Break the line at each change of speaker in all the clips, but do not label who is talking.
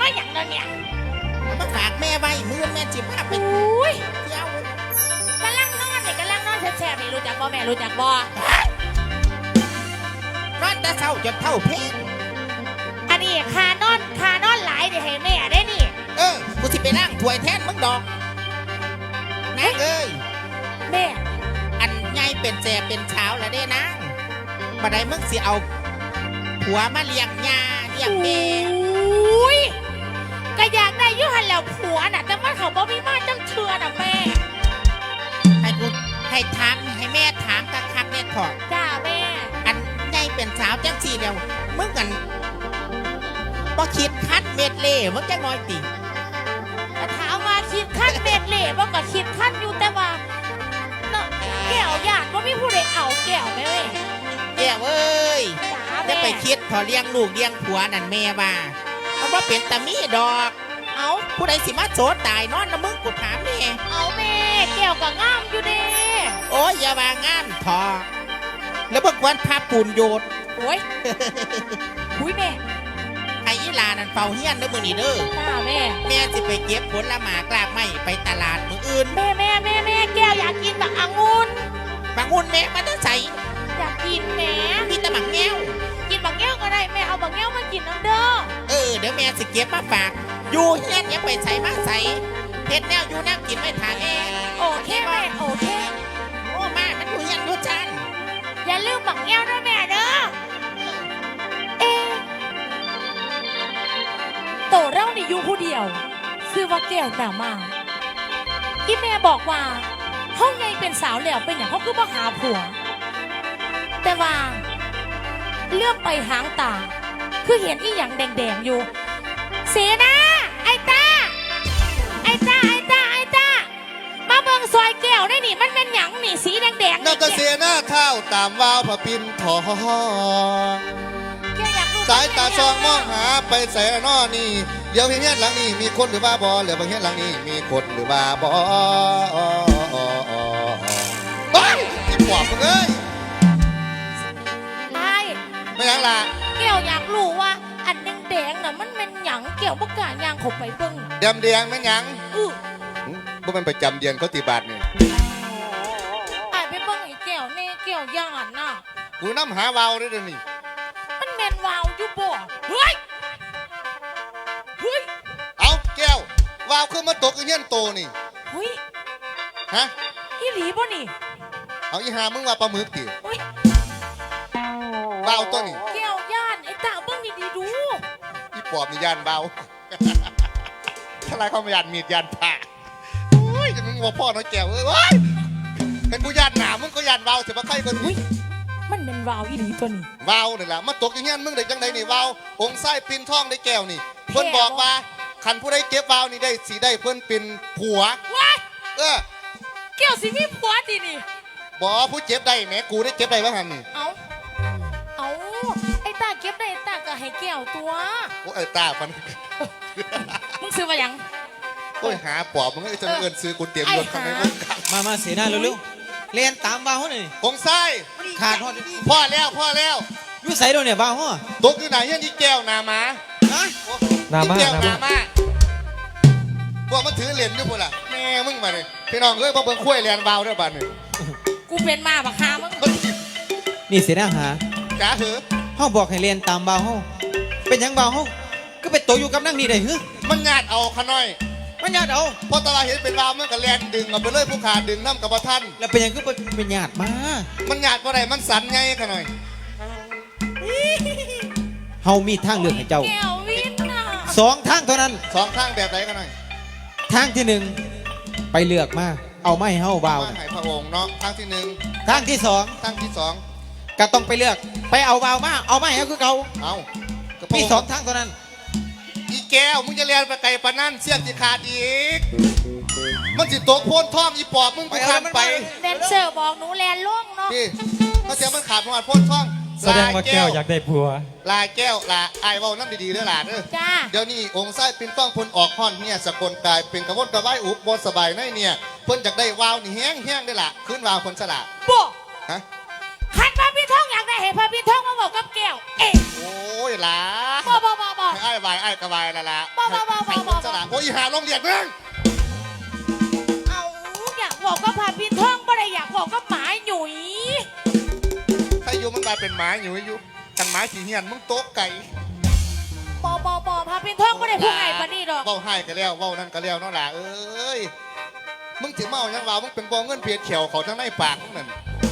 มาอย่างนั้นเนี่ย
มาฝากแม่ไว้มือแม่จิบภาพไป
อุ้ย
เที่ยว
กำลังนอนเนี่ยกำลังนอนแช่ๆนี่รู้จักบ่แม่รู้จักบ่
นอนแต่เช้าจนเท่าเพลง
อันนี้คานอนหลายเดี๋ยวให้แม่ได้นี่
กูสิไปนั่งถวยแทนมึงดอกนะ
แม่
อันไงเป็นแจเป็นเช้าแล้วเด้นะบัดใดมึงสิเอาผัวมาเลี้ยงยาเลี้ยงแม่
อุ้ยก็อยากได้ยุหันแล้วผัวน่ะแต่มันเขาบ่มีมาจังเชื่อน่ะแม่
ให้ถามให้แม่ถามคักๆเนี่ยถอด
จ้าแม่
อันไงเป็นเช้าจังสี่เดียวมึงกันบ่คิดคัดเม็ดเล่มึงจังน้อยติ
ถามว่าคิดขั้นเม็ดเล่บ่ก็คิดขั้นอยู่แต่ว่าแก้วญาติว่ามีผู้ใดเอาแก้วไหมเว้ย
แก้วเอ้ยจะไปคิดพอเลี้ยงลูกเลี้ยงผัวนั่นแม่ว่ามันว่าเป็นตามีดอกเอาผู้ใดสิมาโสดตายนอนนะมึงกูถามนี่
เอาแม่แก้วก็งามอยู่เด้
โอ้ยอย่ามางามทอแล้วเมื่อวันพาปูนโยด
โอ้ยคุยแม่
ไอ้ยีลานั่นเฝ้าเฮียนเด้อมือนี่เด้อแม่สิไปเก็บผลไม้กลากไม้ไปตลาดมืออื่น
แม่แก้วอยากกินบักองุ่น
แม่มันจะใส่
อยากกินแม่
มีแต่บักแง้ว
กินบักแง้วก็ได้แม่เอาบักแง้วมากินน้ำเด้อ
เดี๋ยวแม่สิเก็บมาฝากอยู่เฮียนอย่าไปใส่มาใส่เฮ็ดแนวอยู่นั่งกินไม่ทานเอง
โอเคแม่โอเค
โอ้มามันอยู่เฮียนอยู่จัน
อย่าลืมบักแง้วด้วยแม่เด้อโตเรานี่อยู่ผู้เดียวซื้อว่าแก้วหนามาอีแม่บอกว่าห้องไงเป็นสาวแล้วเป็นอย่างเขาคือมาหาผัวแต่ว่าเลื่อมไปหางตาคือเห็นอีหยังแดงๆอยู่เสียนะไอ้ตามาเบิ่งซอยแก้วได้นี่มันเป็นหยังนี่สีแดงๆ
นั่นก็เสียหน้าเท้าตามวาวพระปินทองสายตาซองมองหาไปแสนอนี่เดี๋ยวเฮียนหลังนี้มีคนหรือว่าบอเหลือบางเฮียนหลังนี้มีคนหรือว่าบอไปที่ปอบมึงเอ้ยไม่ยังล่ะ
แก้วอยากรู้ว่าอันแดงๆน่ะมันเป็นหยังแก้วบ่กล้าย่างเข้าไปเบิ่ง
แดงไม่ยังบ่มันประจำเดือนเขาตีบาทนี่
ไอ้ไปเบิ่งไอ้แก้วนี่แก้วย่านน่ะ
กูน้ำหาวาวได้เดี๋ยวนี้
มันแม่นวาวอยู่บ่เฮ้ย
เอาแก้ววาวขึ้นมาตกอีเงี้ยโตนี่
เฮ้ย
ฮะ
อีหลีบ่นี่
เอาอีหามึงว่าปลาหมึกติวาวตัวนี่
แก้วย่านไอ้ตาเบิ่งดีๆดู
อีปอบนี่ย่านเบาถ้าไรเขาไม่ย่านมีดย่านผ่าโอ้ยจะมึงว่าพ่อน้อยแก้วเอ้ยเป็นกูย่านหนามึงก็ย่านเบาเสียมาใครกัน
มันเป็นวาวอีหลีตัวนี้
วาวนี่แหละมาตกอย่างเงี้ยมึงได้จังไดนี่วาวองค์ไส้ปินท่องได้แก้วนี่เพิ่นบอกว่าขันผู้ใดเก็บวาวนี่ได้สีได้เพิ่นเป็นผัว
แก้วสิมีผัวดินี่
บอกผู้เจ็บได้แม่กูได้เก็บได้บ้างหันนี่
เอาไอ้ตาเก็บได้ตาก็ให้แก้วตัว
โอ้ไอ้ตาฟัน
มึงซื้อมายัง
โอ้ยหาปอบมึงไอ้จะเงินซื้อกูเตรียมรถทำไมมึง
มาเสียหน้าเร็วๆเรียนตามวาวเขาหน่อย
องไส้
ขาด
พ่อแล้ว
ยุ่ใส่โดนเนี่ยวาวเขา
ตกอยู่ไหนยันยี่แก้วนามา
นามา
พวกมันถือเหรียญอยู่พวกล่ะแม่มึงมาเลยพี่น้องเอ้ยพวกเบิ่งคุ้ยเหรียญวาวด้วยบ้านนี่
กูเป็นมาบักฮามึง
นี่เสียหน้าหา
จ๋าเหรอ
เขาบอกให้เรียนตามวาวเขาเป็นยังวาวเขาก็ไปโตอยู่กับนั่งนี่ได้เหรอ
มันญาติเอาขน้อย
มันญาติเอา
พอตลาดเห็นเป็นวาวมันก็แลนดึงเอาไปเลยผู้ขาดึงน้ำกับท่าน
แล้วเป็นยังก็เป็นญาติมา
มันญาติว่าไรมันสันไงขน้อย
เฮามีทางเลือกให้เจ้า2 ทางเท่านั้น
2 ทางแบบไหนขน้อย
ทางที่1ไปเลือกมาเอาไม้เฮาวาว
ให้พระองค์เนาะทางที่1
ทางที่2ก็ต้องไปเลือกไปเอาวาวมาเอาไม้ให้คือเขา
เอา
มี2 ทางเท่านั้น
อีแก้วมึงจะเรียนไปไกลปะนั่นเสี้ยนสิขาดอีกมันสิตกโพนท่องอีปอบมึงกูขาดไป
แดนเซอร์บอกหนูแลนล่วงเนาะ
พี่เขาเสียมันขาดประมาณโพนท่อง
แสดงว่าแก้วอยากได้ผัว
ลายแก้วลาไอ้เว้าน้ำดีๆเด้อหลานเด้อเดี๋ยวนี้องค์ไส้ปินต้องพลออกห่อนเนี่ยสกลกายเป็นกระวนกระวายอุบบนสบายในเนี่ยเพิ่นอยากได้วาวนี่แห้งได้ล่ะขึ้นวาวคนสละ
บ่
ฮะ
คัดพระพี่ท้องอยากได้เห็นพระพี่ท้องมาบอกกับแก้วเอ๊ะ
โอ้ยหล่ะ
บ่
ไอ้วายไอ้กระวายละละ
บ่
สละโอ้ยหาโรงเรียนมึง
เอาอยากบอกกับพระพี่ท้องบ่ได้อยากบอกกับหมาหนุ่ย
ถ้าอยู่มันกลายเป็นหมาอยู่กันหมาขี้เหียนมึงโต๊ะไก่
บ่พระพี่ท้องบ่ได้พูดไงปานนี้ดอก
เว้าให้ก็แล้วเว้านั่นก็แล้วเนาะล่ะเอ้ยมึงถึงเมายังว่ามึงเป็นบ่เงินเพียรเขียวเขาทั้งในปากมึงนั่น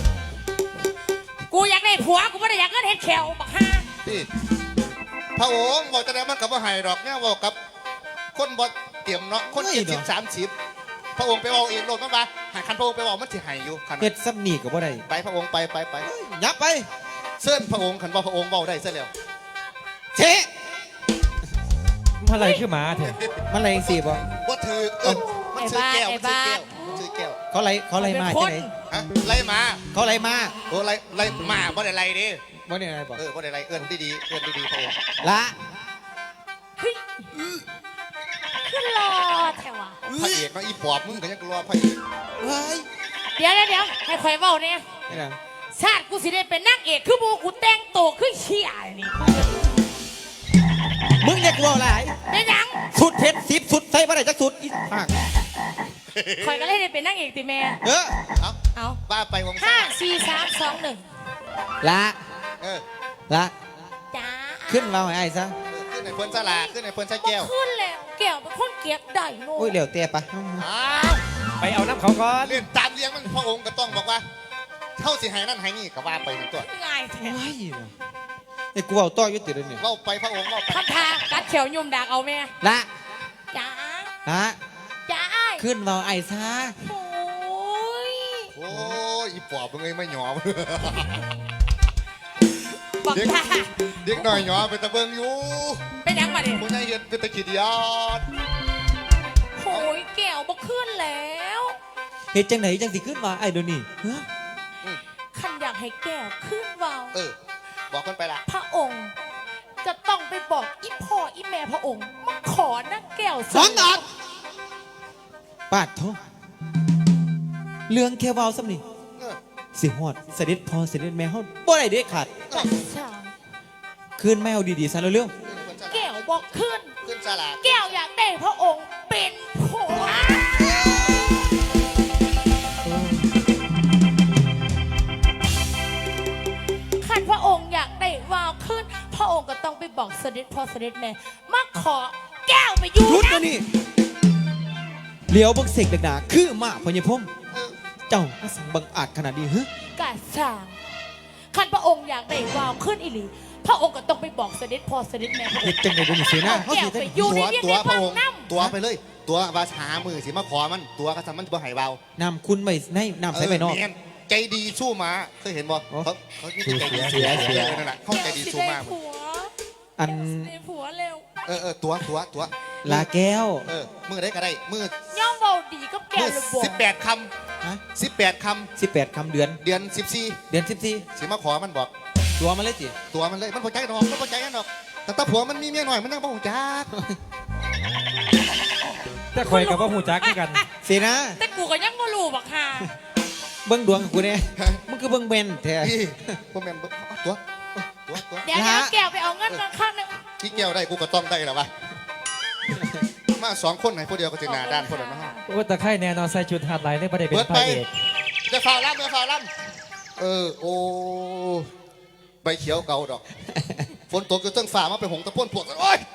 กูอยากได้ผัวกูบ่ได้อยากได้เฮ็ดแขวบักห่า
พี่พระองค์บอกจะได้มันกับว่าให้ดอกเนี่ยบอกกับคนบ่เตรียมเนาะคน70 30พระองค์ไปบอกเองโลดมันว่าหาคันพระองค์ไปบอกมันสิให้อยู่คัน
เฮ็ดซ้ำนี่ก็บ่ได้
ไปพระองค์ไป
ยับไป
เส้นพระองค์คันว่าพระองค์เว้าได้ซะแล้ว
เชะ
อะไรคือหมาเถอะ
มันอะไรสิบ่
บ่ถือมันซื้อแก้วมันซื้อแก้ว
เขาอะไรมา
เป็นค
จัง
น
ได๋
ฮะไล่มา
เขาอะไรมา
โอ้ไล่มาบ่ได้ไล่ดิ
บ่ได้อะไรบ่
บ่ได้ไล่เอื้อนดีๆเอื้อนดีๆพระองค์
ละ
เฮ้ยขึ้นรอแถวะ
พระเอกเนาะอีปอบมึงก็ยังรอพระเอก
เฮ้ย
เดี๋ยวให้ข่อยเว้าเนี่ย
นี่นะ
ชาติกูสิได้เป็นนางเอกคือหมูกูแต่งโตวคือเชี่ยนี่
มึงอย่ากลัวหลาย
เป็นหยัง
สุดเผ็ด10สุดใส่บ่ได้จักสุดอีภาค
ข่อยก็เลยได้เป็นนางเอกติแม่
เออ
เอา
ว่าไปวง
5 4 3 2 1
ละ
เออ
ละ
จ้า
ขึ้นมาให้อ้ายซะ
ขึ้นในเพิ่นสลาขึ้นในเพิ่นใช้แก้ว
ขึ้นแล้วแก้วเป็นคนเกียกได้โน่
โอ้ยเหลวเตะปะ
อ้าว
ไปเอาน้ำเขาก่อน
เล่นตามเลี้ยงมันพระองค์ก็ต้องบอกว่าเท่าสิให้นั่นให้นี่ก็ว่าไปทั้งตัว
ง่ายแท้
โอ้ยไอ้กูเอาต่ออยู่ติดเลยเนี่ย
เล่าไปพระองค์เล่าไป
ทำทากัดเขียวยุ่มดากเอาแม่
ละ
จ้า
ละ
จ้าอ้าย
ขึ้นมาไอ้ซะ
โอ้ย
โอ้ยอีปอบมึงไอ้ไม่หยอม
บอก
เด็ก
จ้า
เด็กหน่อยหยอไปตะเบิงอยู่
เป็นหยังมาดิ
ผู้ใหญ่เห็นเป็นตะขีดยอด
โอ้ยแก้วบ่ขึ้นแล้ว
เฮ็ดจังไหนจังสิขึ้นมาไอ้เดี๋ยวนี้ฮะ
ขันอยากให้แก้วขึ้นเวาว
บอกคนไปละ
พระองค์ จะต้องไปบอกอีพ่ออีแม่พระองค์มาขอนั่งแก้ว
สองดอกปาดโทเรื่องแค่เว้าซ้ำนี่
เออ
สิฮอดเสด็จพ่อเสด็จแม่เฮาบ่ได้เด็ดขาด
จัดฉาก
คืนแมวดีๆซะเร็ว
แก้วบอกขึ้น
ขึ้นสลา
แก้วอยากได้พระองค์เป็นผัวขันพระองค์อยากได้วาวขึ้น พระองค์ก็ต้องไปบอกเสด็จพ่อเสด็จแม่มาขอแก้วไปอยู่
ๆหยุด
นะ
นะนี่เหลียวบักเสกดักดาคือมาพญพม
เออ
เจ้ามาสั่งบังอาจขนาดนี้ฮะ
กาสางขันพระองค์อยากได้วาวขึ้นอีหลีพระองค์ก็ต้องไปบอกเสด็จพ่อเสด็จแม่พระอง
เฮ็ด
ค์
จังได๋เดี๋ยวนี้เสียหน้าเฮา
แก้
สิ
ว
ได้
ไปอยู่ใน
ตัว
เรียนใน
พ
พั
ระ
ง
องค์
น้
ตัวไปเลย ตัวว่าหามือสิมาขอมันตัวกระทำมันบ่ให้เบา
น้ำคุณไม่ในน้ำใส่ไปนอก
แม่ใจดีสู้มาเคยเห็นบ่
โอ้
เขาใจดี
เสีย
นั่นแหละเขาใจ
ำ
ดี
สิ
สู้
ได้
มาก
ผัว
อัน
สิได้ผัวเร็ว
ตัว
ลาแก้ว
มือได้ก็ได้มือย่
อมเบาดีก็แก้
มื
ว
อ
เลยบอก
18 ค
ฮะ
ำ18 ค
18คำเดือน
ำเดือน
เดือน14
14สิมาขอมันบอก
ตัวมาเลยจิ
ตัวมันเลยมันพอใจดอกมันพอใจกันดอกแต่ตาผัวมันมีเมียหน่อยมันนั่งบ่หูจัก
แต่คอยกับว่าหูจักคือกัน
เสียหน้า
แต่กูก็ยังไม่รู้บักฮา
เบิ่งดวงกูแน่มึงคือเบิ่งแม่นแท้
พี่พวกแม่นตัว
เดี๋ยว
ละ
แก้วไปเอาเงินกันข้างหนึง
ที่แก้วได้กูก็ต้องได้แล้ววะมา2 คนไหนผู้เดียวก็ถึงหน้าด้านคนละเนาะ
โอ้แต่ไข่แน่นอนใส่ชุดหาดไหลเลยประเดี๋ยวเป็
เบิ
น
ด
พ
ไประ
เอก
จะฝ่าล่ำโอ้ใบเขียวเก่าดอก ฝนตกอยู่ตั้งฝ่ามาไปหงตะพ่นพวกโอ้ย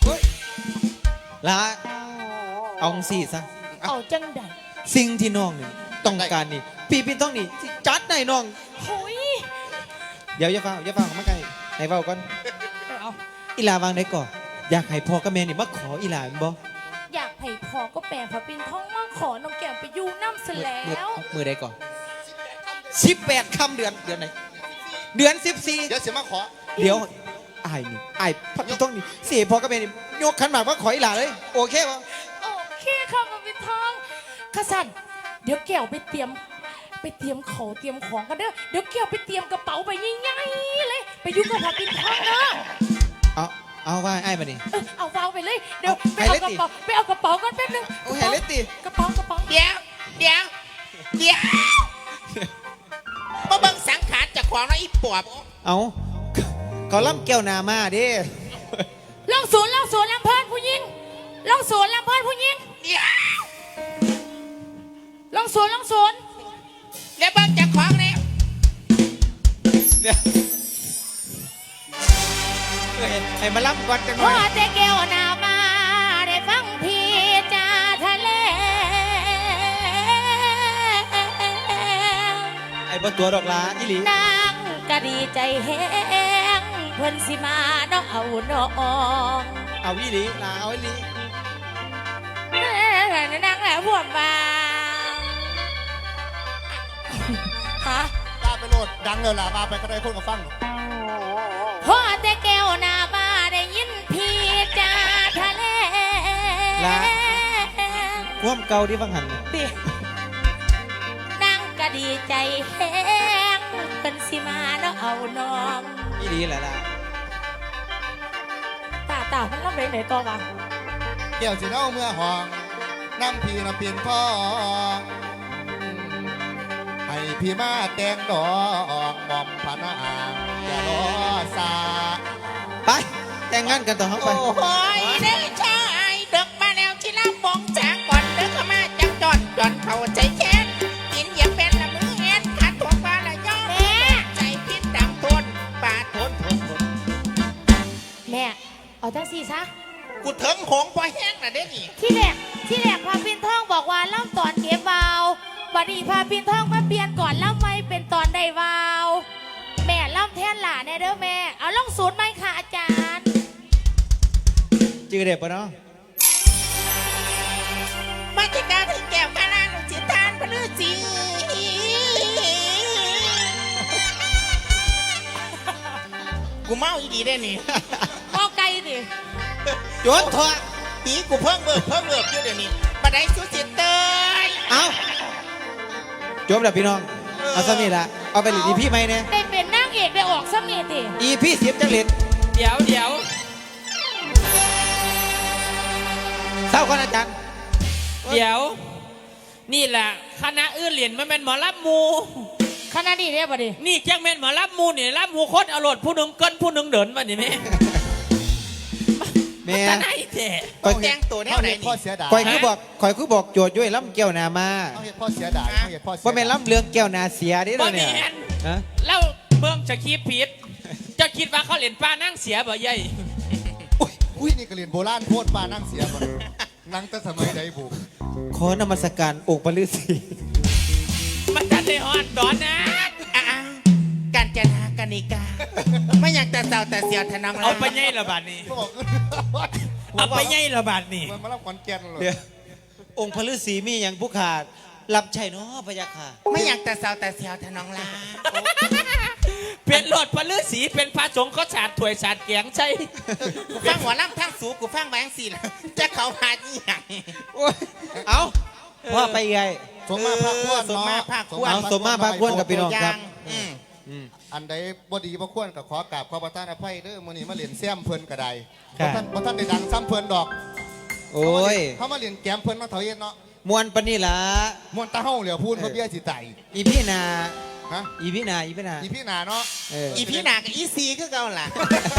ละเอาสิซะ
เอาจังใด
สิ่งที่น้องนี่ต้องการนี่พี่ต้องนี่สิจัดให้น้อง
โอ้ย
เดี๋ยวอย่าฟังมาใกล้ให้เว้าก่อน
ไปเอา
อีหลาวางได้ก่อนอยากให้พ่อกับแม่นี่มาขออีหลาแม่นบ่
อยากให้พอก็แปลพระปินท้องมาขอน้องแก้วไปอยู่น้ำเสร็จแล้ว
มือได้ก่อน18คำเดือนไหนเดือน14
เดี๋ยวเสียมาขอ
เดี๋ยวอายนี่อายพัดต้องนี่เสียพ่อกับแม่นี่ยกขันหมากมาขออีหลาเลยโอเคบ่
โอเคค่ะพระปินท้องข้าสันเดี๋ยวแก้วไปเตรียมของเตรียมของกันเด้อเดี๋ยวแก้วไปเตรียมกระเป๋าไปง่ายๆเลยไปอยู่กับพระปินท้องเด้อ
เอาว่าไอ้ายมานี่
เอาวางไปเลยเดี๋ยว
เอา
ไปเอา
ให้
กระ
เลยติ
เป๋าไปเอากระเป๋ากันแป๊บนึง
โอ้ยให้เลยติ
กระเป๋ากระเป๋า
เดี๋ยวมาเบิ่งสังขารเจะขของนะอีปอบ
เอาเขาล่ำแก้วนามาเดิ
ลองสวนลำเพิ่นผู้หญิงลองสวนลำเพิ่นผู้หญิง
เดี๋ยว
ลองสวน
แล้วเบิ้งจากของเนี่ย
เนี่ยให้มาล่ำก่อนกันห
พ
น่
อ
อย
แต่แก้วนามาได้ฟังพี่จาทะเล
ไอ้บ่ตัวดอกลาอีหลี
นางก็ดีใจแห้งเพิ่นสิมาเนาะเอาน้อง
เอาอีหลีลาเอาอีหลี
นางแหละพวกบางฮะ
ลาไปโหลดดังเลยล่ะมาไปก็ได้คนมาฟัง
พอแต่แก้วนามาได้ยินพี่จาทะเล
ควมเก่าที่ฟังหัน
ตินางก็ดีใจแห้งเพิ่นสิมาเนาะเอาน้อง
อีหลีแหละล่ะ
ตามันรับไปไหนต่อวะ
เกี่ยวสิเน่าเมื่อห้องน้ำพีน้ำเปลี่ยนทองให้พี่มาแต่งดอกหม่อมพระนางอย่ารอสา
ไปแต่งงานกันต่อเขาไป
โอ้ยเด้อชายเด็กมาแล้วที่ลำบองจากก่อนเด็กเข้ามาจากจอนเข้าใจแค้นกินเหยียบเป็นละมือเฮ็ดขัดตัวปลาละย่อแม่ใจพิษดังทนปลาทน
แม่เอาจังสี่ซะ
กูถึงหงพอแห้งน่ะเด้นี่
ที่แรกพาปินทองบอกว่าเล่าตอนเก็บวาวบัดนี้พาปินทองมาเปลี่ยนก่อนเล่าไม่เป็นตอนได้วาว แม่เล่าแทนหลานแน่เด้อแม่เอาลองศูนย์ไหมค่ะอาจารย์
จือเด็ดปะเนาะ
มาจิกาถึงแก้วกาลาหนุจิตานพลือจีกูเมาอีดีได้นี่
มอไกลดิ
โยนถอด
ตีกูเพิ่งเบิกอยู่เดี๋ยวนี้บัดไดสุจิตเตย
เอาจบแล้วพี่น้องเอาซะนี่ละเอาไปหลีดีพี่ไหมเนี่ย
ได้เป็นนางเอกได้ออกสมีดิ
อีพี่เสียบจังเหรียญ
เดี๋ยว
เศร้าก่อนอาจารย์
นี่แหละคณะอื่นเหรียญมันเป็นหมอรับมู
ขนาดนี้เนี่ยบัดนี้
นี่แจ้งเป็นหมอรับมูนี่รับมูโคตรอรรถผู้หนึ่งเกินผู้หนึ่งเดินมานี่แม่
แม่
ตาไหนแท้
ต้องแจ้งตัวแนว
เขา
ไหน
เห็นพ่อ
นี่
เสียดาย
คอยคือบอกโจทย์ด้วยล่ำแก้วนามา
เขาเห็นพ่อเสียดายเขาเห็นพ่อเสีย
ว่าเป็น
ดาย
ล่ำเรื่องแก้วนาเสียดิ
บ่
เรา
แม
เนี่ย
น
ฮะ
แล้วเบิ่งจะคิดผิด จะคิดว่าเขาเหรียญป้านั่งเสียบ่ใหญ่
อุ้ยนี่ก็เรียนโบราณโพดปลานั่งเสียก่อนนั่งแต่สมัยใดบุก
ขอนมัสการองค์พระฤาษี
มันจะได้ฮอดดอนนะ
อ้าวการจนากนิกา ไม่อยากแต่เศร้าแต่เสียวทนอง
เอาไปใหญ่ละบาทนี่
บอก
เอาไปใหญ่ละบาทนี่
มันมารับขอนแก่นเลย
เดี๋ยวองค์พระฤาษีมีอย่างผู้ขาดรับใช่เนาะพระยาค่ะ
ไม่อยากแต่เศร้าแต่เสียวทนองลา
เป็นรถพระฤาษีเป็นพระสงฆ์เขาสาดถวยสาดเกียงใช่
กูฟังหัวล่ำทั้งสูกูฟังแบงสี่ละจะเขาหาอีหยัง
โอ้ยเอาพ่อไปไง
สมมาพระควร
สม
เนาะ
มาภาคควร
เอาสมมาพระควรกับพี่น้องครับ
อืม
อันใดบ่ดีบ่ควรก็ขอกราบขอประทานอภัยเด้อมื้อนี้มาเรียนแซมเพิ่นก็ได้
ครับ
บ่ท่านได้ดังซ้ำเพิ่นดอก
โอ้ย
เขามาเรียนแกมเพิ่นมาเถาเย็นเนาะ
มวนปานนี่ล่ะ
ม่วนตาเฮาเหลียวพูนเพื่อเบี้ยสิไต
อีพี่นา
ฮะ
อีพี่นา
อีพี่นาเนาะ
เออ
อีพี่หนากับอีซีคือเก่าล่ะ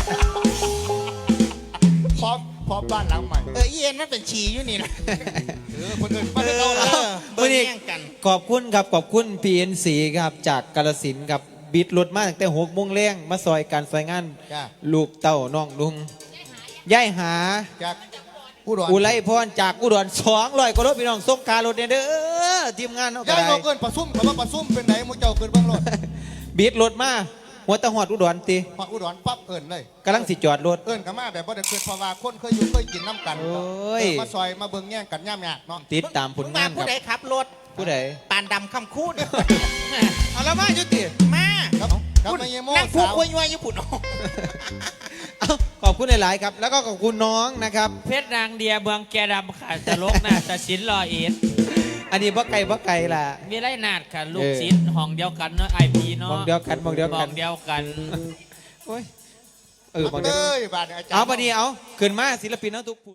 พร้อมบ้านหลังใหม่
อีเอ็นมันเป็นชีอยู่นี่นะ
คนอื่นมาได้เก่าแล้ว
เบิ่งแย่งกัน
ขอบคุณครับขอบคุณ PNC ครับจากกาฬสินธุ์ครับบิดรถมาตั้งแต่6 โมงแรงมาซอยการซอยงาน
จ้า
ลูกเต้าน้องลุงย่ายหา
จากผู้ดอน
อุไรพรจากอุดร200กว่ารถพี่น้องส่งการรถเนี่ยเด้อทีมงานเนาะก็
ย้าย
ได้
บ่เกินประซุ่มคำว่าประซุ่มเป็นไหนมูเจ้าเกินเบิ่งรถ
บิดรถมาหัวตะหอดอุดรตี
พออุดรปั๊บเอิ้นเลย
กำลังสิจอดรถ
เอิ้นกันมาแบบบ่ได้เคยเพราะว่าคนเคยอยู่เคยกินน้ำกัน
โอ้ย
มาซอยมาเบิ่งแย่งกันย่ำยากเนาะ
ติดตามผลงานค
ผู้
รับ
ใดขับรถ
ผู้ใด
ปานดำคำคูด
เอาละมาจุติ
มา
ครับครับมาเยโม่
นั่งพูด
สาว
คุยยั่วญี่ปุ่น
เอาขอบคุณหลาย ๆ ครับ แล้วก็ขอบคุณน้องนะครับ
เพชรนางเดียเมืองแกดำค่ะตลกน่ะตะสินรอเอ็ด
อันนี้พ่อไก่ล่ะ
มีไรนาดค่ะ ลูกศิษย์ห้องเดียวกันเนาะไอพีเนาะ
มองเดียวกันมองเดียว
ห้
กั
อน งเดียวกัน
โอ้ยมองเดียว
เอ้ยบาดเนี่ยอาจารย์
เอาปะนี้เอาขึ้นมาศิลปินเอาทุกผู้